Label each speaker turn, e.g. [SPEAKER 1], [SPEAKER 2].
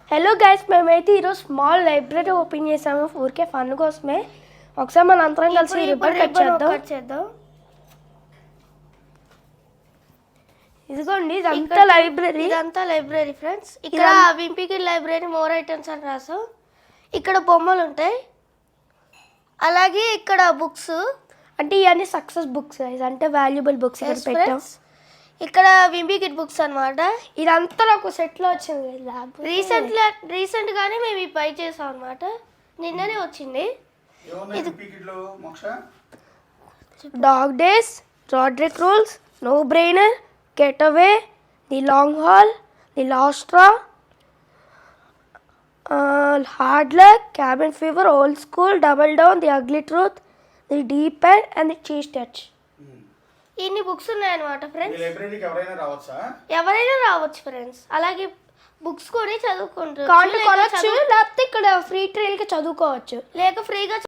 [SPEAKER 1] Hello guys, మేమైతే ఈరోజు small library open చేసాము ఊరికే ఫన్ కోసమే. ఒకసారి మన అందరం కలిసి రిబ్బన్ కట్ చేద్దాం. ఇదిగోండి, ఇదంతా లైబ్రరీ ఫ్రెండ్స్. ఇక్కడ వింపీకి లైబ్రరీ మోర్ ఐటమ్స్ అని రాసాం. ఇక్కడ బొమ్మలు ఉంటాయి, అలాగే ఇక్కడ బుక్స్ అంటే ఇవన్నీ సక్సెస్ బుక్స్ అంటే వాల్యుబుల్ బుక్స్ పెట్టాం. ఇక్కడ వింబీ కిట్ బుక్స్ అనమాట. ఇదంతా నాకు సెట్లో వచ్చింది. రీసెంట్గానే మేము ఈ పై చేసాం అనమాట. నిన్ననే వచ్చింది. Dog days, Rodrick rules, no brainer, getaway, the long haul, the last straw, hard luck, cabin fever, old school, double down, the ugly truth, the deep end and the cheese touch. ఇన్ని books ఉన్నాయన్నమాట friends. ఎవరైనా రావచ్చు friends. అలాగే books కొని చదువుకుంటారు, లేకపోతే ఇక్కడ free trial కి చదువుకోవచ్చు, లేక ఫ్రీగా